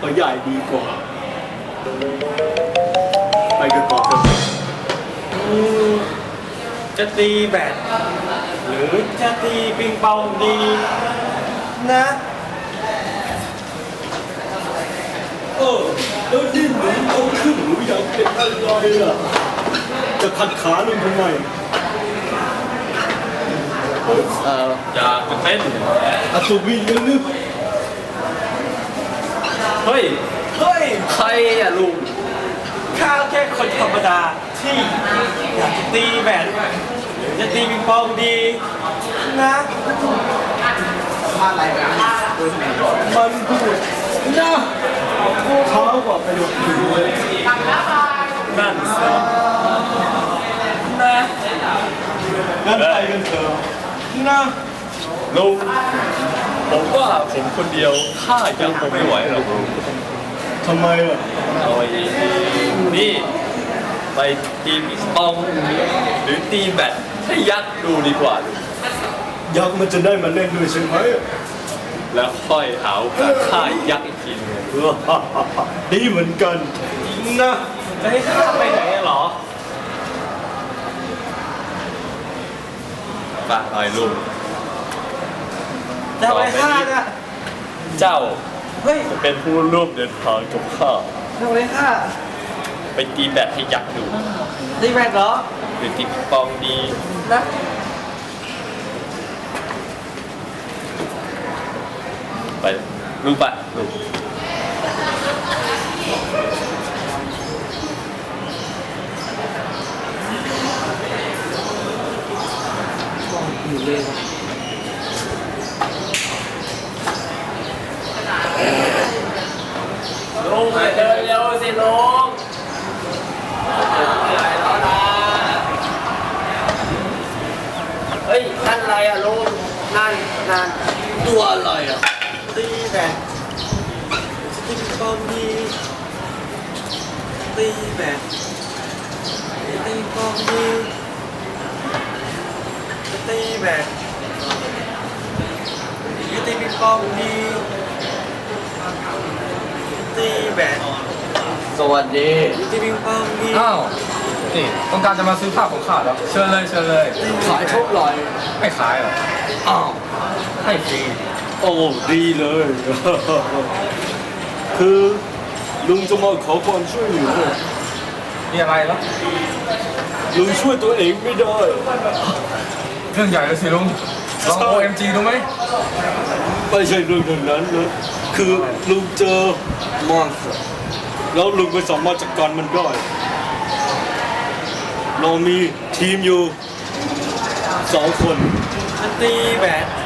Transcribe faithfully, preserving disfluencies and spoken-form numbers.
เขาใหญ่ดีกว่าไปกันต่อเถอะจะตีแบดหรือจะตีปิงปองดีนะเออแล้วนี่หนูเอาขึ้นหนูอยากเป็นอะไรล่ะจะขัดขาลุงทำไมเอออยากจะเต้นอัศวินยังนึกเฮ้ยเฮ้ยใครอ่ะลุงข้าแค่คนธรรมดาที่อยากจะตีแบดหรือจะตีปิงปองดีนะมันพูดนะเท้ากว่าไปหมดเลยนั่นสินะงั้นไปกันเถอะนะลุงผมว่าผมคนเดียวข้ายังคงไม่ไหวหรอกทำไมอ่ะเอาไอ้นี่ไปตีปิงปองหรือตีแบดให้ยักษ์ดูดีกว่ายักษ์มันจะได้มาเล่นด้วยใช่ไหมแล้วค่อยหาโอกาสฆ่ายักษ์อีกทีนึงดีเหมือนกันนะจะให้ข้าไปไหนหรอฝากหน่อยลุงจะไปฆ่าเนี่ยเจ้าเฮ้ยจะเป็นผู้ร่วมเดินทางกับข้าทำไมข้าไปตีแบดให้ยักษ์ดูตีแบดเหรอหรือตีปิงปองดีนะไปลุงไปลุงอยู่เลยลุงเดินเร็วสิลุงเฮ้ยนั่นอะไรอ่ะลุงนั่นนั่นตัวอะไรอ่ะตีแบดตีปองดีตีแบดตีปองดีตีแบดตีปิงปองดีตีแบดสวัสดีตีปิงปองดีอ้าวนี่ต้องการจะมาซื้อผ้าของข้าแล้วเชิญเลยเชิญเลยขายทุกรอยไม่ขายหรออ้าวให้ฟรีโอ้ดีเลยคือลุงจะมาขอความช่วยเหลือมีอะไรล่ะลุงช่วยตัวเองไม่ได้เรื่องใหญ่เลยสิลุงลอง โอ เอ็ม จี ดูไหมไม่ใช่เรื่องนั้นนะคือลุงเจอมอนสเตอร์แล้วลุงไปสามารถจัดการมันได้เรามีทีมอยู่สองคนตีแบด